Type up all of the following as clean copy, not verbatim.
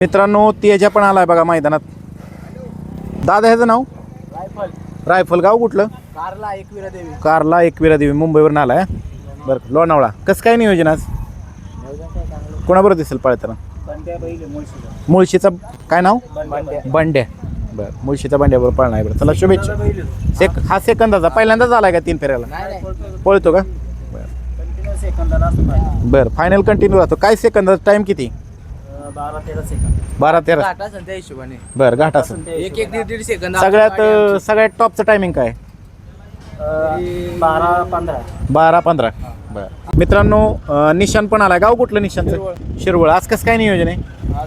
मित्रांनो तेजा पण आलाय बघा मैदानात. दादा ह्याचं नाव रायफल गाव कुठलं? कारला एकविरा देवी मुंबईवरून आलाय. बरं लोणावळा कसं काय नियोजन आज? कोणाबरोबर दिसेल पळताना? मुळशीचा काय नाव? बंड्या. बरं मुळशीचा बंड्याबरोबर पळणार आहे. बरं चला शुभेच्छा. हा सेकंदाचा पहिल्यांदाच आलाय का 3 फेऱ्याला? पळतो का? बरं फायनल कंटिन्यू राहतो. काय सेकंदाचा टाइम किती? 12-13 बरं घाट असं सगळ्यात टॉपचं टायमिंग काय? 12-15 बरं. मित्रांनो निशान पण आलाय. गाव कुठलं निशानचं? शिरवळ. आज कसं काय नियोजन आहे?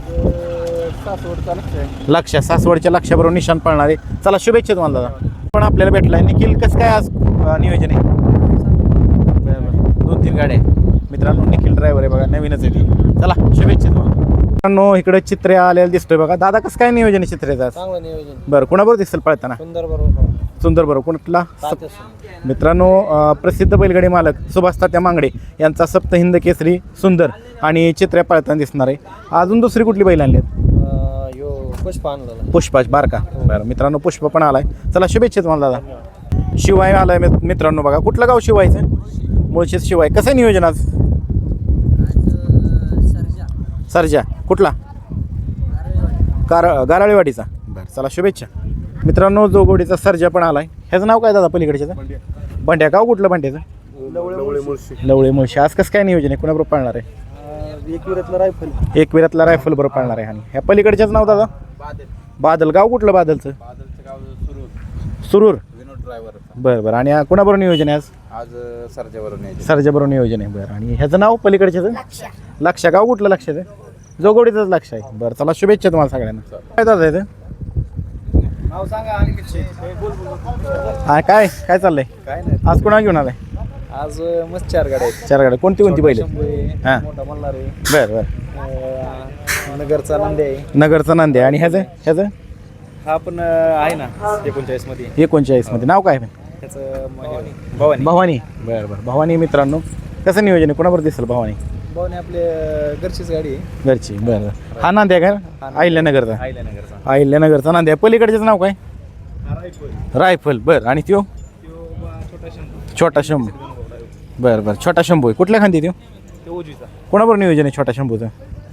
लक्ष सासवडच्या लक्षाबरोबर निशान पळणार आहे. चला शुभेच्छा तुम्हाला दादा. पण आपल्याला भेटलाय. निखिल कसं काय आज नियोजन आहे? बरं 2-3 गाड्या मित्रांनो. निखिल ड्रायव्हर आहे बघा नवीनच आहे ती. चला शुभेच्छा तुम्हाला. मित्रांनो इकडे चित्रे आलेला दिसतोय बघा. दादा कसं काय नियोजन आहे चित्रेचं? चांगलं नियोजन. बरं कोणाबरोबर दिसेल पळताना? सुंदर बरोबर. कुठला? मित्रांनो प्रसिद्ध बैलगाडी मालक सुभाष तात्या मांगडे यांचा सप्त हिंद केसरी सुंदर आणि चित्र्या पळताना दिसणार आहे. अजून दुसरी कुठली बैल आणली? पुष्पाच बारका. बरं मित्रांनो पुष्प पण आलाय. चला शुभेच्छा तुम्हाला दादा. शिवाय आलाय मित्रांनो बघा. कुठलं गाव शिवायचं? मुळशीच शिवाय. कसं आहे नियोजन आज? सरजा कुठला? गाराळेवाडीचा. बरं चला शुभेच्छा. मित्रांनो जोगोडीचा सर्जा पण आलाय. ह्याचं नाव काय दादा पलीकडच्याचं? बंड्या. गाव कुठलं बंड्याचं? लवळे मुळशी. आज कसं काय नियोजन आहे? कुणाबरोबर पाळणार आहे? एकविरातला रायफल बरोबर पाळणार आहे. आणि ह्या पलीकडच्याच नाव दादा? बादल. गाव कुठलं बादलचं? सुरूर. बरं बरं. आणि कुणाबरोबर नियोजन आहे आज? सर्जाबरोबर नियोजन आहे. बरं. आणि ह्याचं नाव पलीकडच्याचं? लक्ष. गाव कुठलं लक्षाचं? जोगोडीचंच लक्ष आहे. बरं चला शुभेच्छा तुम्हाला सगळ्यांना. काय दादा येतं? हा काय काय चाललंय? काय नाही. आज कोणा घेऊन आलाय? आज मस्त 4 गाड्या आहेत. 4 गाड्या. कोणती बैल? हां बरं बरं. नगरचा नंदी आहे. नगरचा नांदे. आणि ह्याचं हा पण आहे ना 39 मध्ये. 39 मध्ये. नाव काय? त्याचं भवानी. भवानी. बरं बरं. भवानी मित्रांनो कसं नियोजन आहे? कोणाबरोबर दिसेल भवानी? भवानी आपले घरचीच गाडी आहे. घरची. बरं. हा नांद्या का? अहिल्यानगरचा. अहिल्यानगरचा नांद्या. पलीकडच्याचं नाव काय? रायफल. बरं. आणि त्यो छोटा शंभू. बरं बरं. छोटा शंभू आहे. कुठल्या खांदी त्यो? कोणाबरोबर नियोजन आहे छोटा शंभूचं?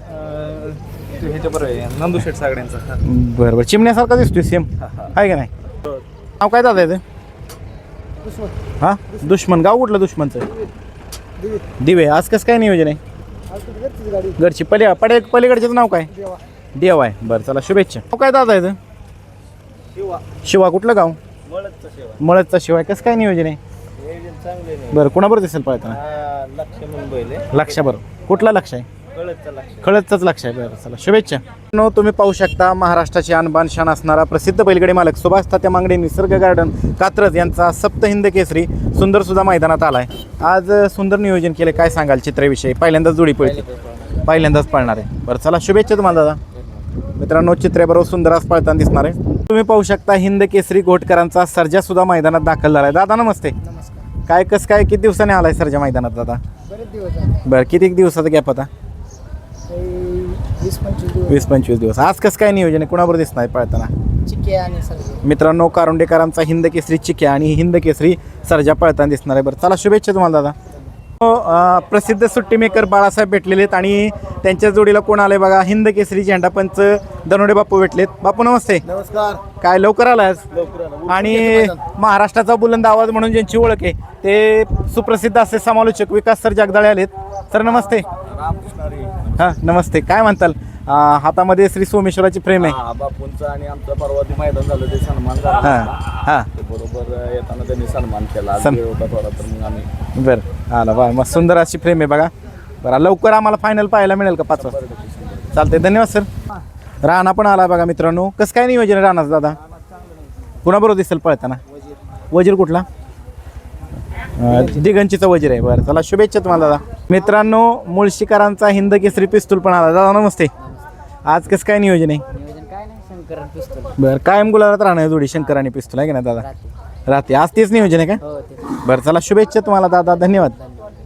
नंदू शेठ सागड्यांचा. बरं बरं. चिमण्यासारखा दिसतोय सेम आहे का नाही? नाव काय दादा येतं? हां दुश्मन. गाव कुठलं दुश्मनचं? दिवे. आज कसं काय नियोजन आहे? घरची. पलीकडच्याचं नाव काय? देवा आहे. बरं चला शुभेच्छा. नाव काय दादा येतं? शिवा. कुठलं गाव? मळदचा शिवाय. कसं काय नियोजन आहे? बरं कोणाबरोबर दिसेल पळताना? लक्षाबरोबर. कुठला लक्ष आहे? खळदचाच लक्ष आहे. बरं चला शुभेच्छा. तुम्ही पाहू शकता महाराष्ट्राची आणबान शान असणारा प्रसिद्ध बैलगाडी मालक सुभाष तात्या मांगडे निसर्ग गार्डन कात्रज यांचा सप्त हिंद केसरी सुंदर सुद्धा मैदानात आलाय. आज सुंदर नियोजन केले. काय सांगाल चित्रेविषयी? पहिल्यांदाच जोडी पळते. पहिल्यांदाच पळणार आहे. बरं चला शुभेच्छा तुम्हाला दादा. मित्रांनो चित्रेबरोबर सुंदर आज पळताना दिसणार आहे. तुम्ही पाहू शकता हिंद केसरी घोटकरांचा सर्जा सुद्धा मैदानात दाखल झालाय. दादा नमस्ते. काय कसं काय किती दिवसाने आलाय सर्जा मैदानात दादा? बरं किती दिवसाचा गॅप होता? 20-25 दिवस. आज कसं काय नियोजन आहे? कुणाबरोबर दिसणार आहे पळताना? मित्रांनो कारुंडेकरांचा हिंद केसरी चिक्या आणि हिंद केसरी सर्जा पळताना दिसणार आहे. बरं चला शुभेच्छा तुम्हाला दादा. प्रसिद्ध सुट्टी मेकर बाळासाहेब भेटलेले आहेत आणि त्यांच्या जोडीला कोण आलंय बघा? हिंद केसरी झेंडा पंच दनोडे बापू भेटलेत. बापू नमस्ते. नमस्कार. काय लवकर आलाय? आणि महाराष्ट्राचा बुलंद आवाज म्हणून ज्यांची ओळख आहे ते सुप्रसिद्ध असे समालोचक विकास सर जगदाळे आलेत. सर नमस्ते. हां नमस्ते. काय म्हणताल? हातामध्ये श्री सोमेश्वराची फ्रेम आहे. बापूंचा आणि आमचा परवा मैदान झालं ते सन्मान झाला. हां बरोबर येताना त्यांनी सन्मान केला. थोडा तर मग आम्ही. बरं आला बा. मग सुंदर अशी फ्रेम आहे बघा. बरं लवकर आम्हाला फायनल पाहायला मिळेल का? 5 वाजता. चालतंय धन्यवाद सर. राणा पण आला बघा मित्रांनो. कसं काय नियोजन आहे राणाचं दादा? कुणाबरोबर दिसेल पळताना? वजीर. कुठला? दिगंचीचा वजीर आहे. बरं चला शुभेच्छा तुम्हाला दादा. मित्रांनो मुळशीकरांचा हिंद केसरी पिस्तूल पण आला. दादा नमस्ते. आज कसं काय नियोजन आहे? बरं कायम गुलाबात राहणार जोडी शंकर आणि पिस्तूल आहे की नाही दादा? राहते. आज तेच नियोजन आहे का? बरं चला शुभेच्छा तुम्हाला दादा. धन्यवाद.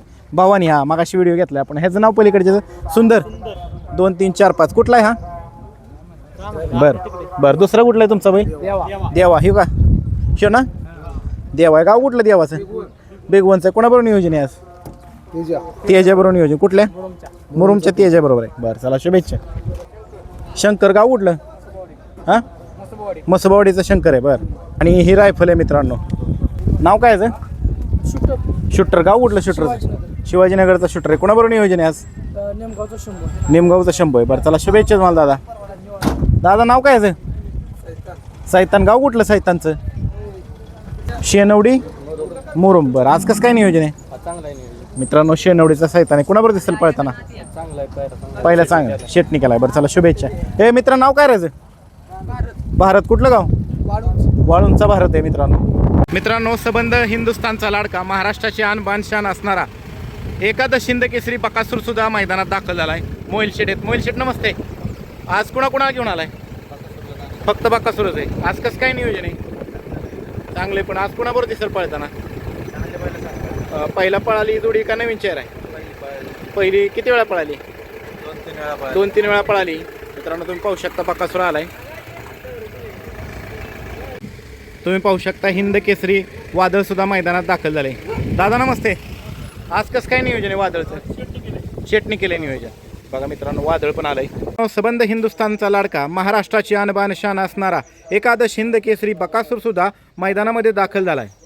भवानी. हा मागाशी व्हिडिओ घेतला आपण. ह्याचं नाव पलीकडचं? सुंदर. 2 3 4 5. कुठला आहे हा? बर बर दुसरा कुठला आहे तुमचा बैल देवा हे का शो ना देवा आहे. गाव कुठलं देवाचं बेगवनचं कोणाबरोबर नियोजन आहे आज तेजाबरोबर नियोजन कुठल्या मुरुमच्या तेजाबरोबर आहे. बरं चला शुभेच्छा. शंकर गाव कुठलं हां मसबावाडीचं शंकर आहे. बरं आणि ही रायफल आहे मित्रांनो. नाव काय आहे शूटर गाव कुठलं शूटरचं शिवाजीनगरचा शूटर आहे. कोणाबरोबर नियोजन आहे आज निमगावचा शंभू आहे. बरं चला शुभेच्छा तुम्हाला दादा. दादा नाव काय आहे सैतान गाव कुठलं सैतानचं शेनवडी मुरुम. बरं आज कसं काय नियोजन आहे मित्रांनो शेनवडीचा सैतान आहे. कुणाबरोबर दिसेल पळताना पहिला चांगला शेटणी केलाय. बरं चला शुभेच्छा. हे मित्र नाव काय राहायचं भारत कुठलं गाव वाळूंचा भारत आहे मित्रांनो सबंध हिंदुस्थानचा लाडका महाराष्ट्राची आन बान शान असणारा एकादश हिंद केसरी बकासूर सुद्धा मैदानात दाखल झालाय. मोहिल शेट आहेत. मोहिल शेट नमस्ते. आज कुणाकुणाला घेऊन आलाय फक्त बकासूरच आहे. आज कसं काय नियोजन आहे चांगले पण आज कुणाबरोबर दिसेल पळताना पहिला पळाली जोडी का नवीन चेहरा आहे पहिली किती वेळा पळाली 2-3 वेळा पळाली. मित्रांनो तुम्ही पाहू शकता बकासूर आलाय. तुम्ही पाहू शकता हिंद केसरी वादळ सुद्धा मैदानात दाखल झाले. दादा नमस्ते. आज कसं काय नियोजन आहे वादळचं शेटणी केले नियोजन बघा मित्रांनो वादळ पण आलंय. सबंध हिंदुस्थानचा लाडका महाराष्ट्राची आणबान शान असणारा एकादश हिंद केसरी बकासूर सुद्धा मैदानामध्ये दाखल झालाय.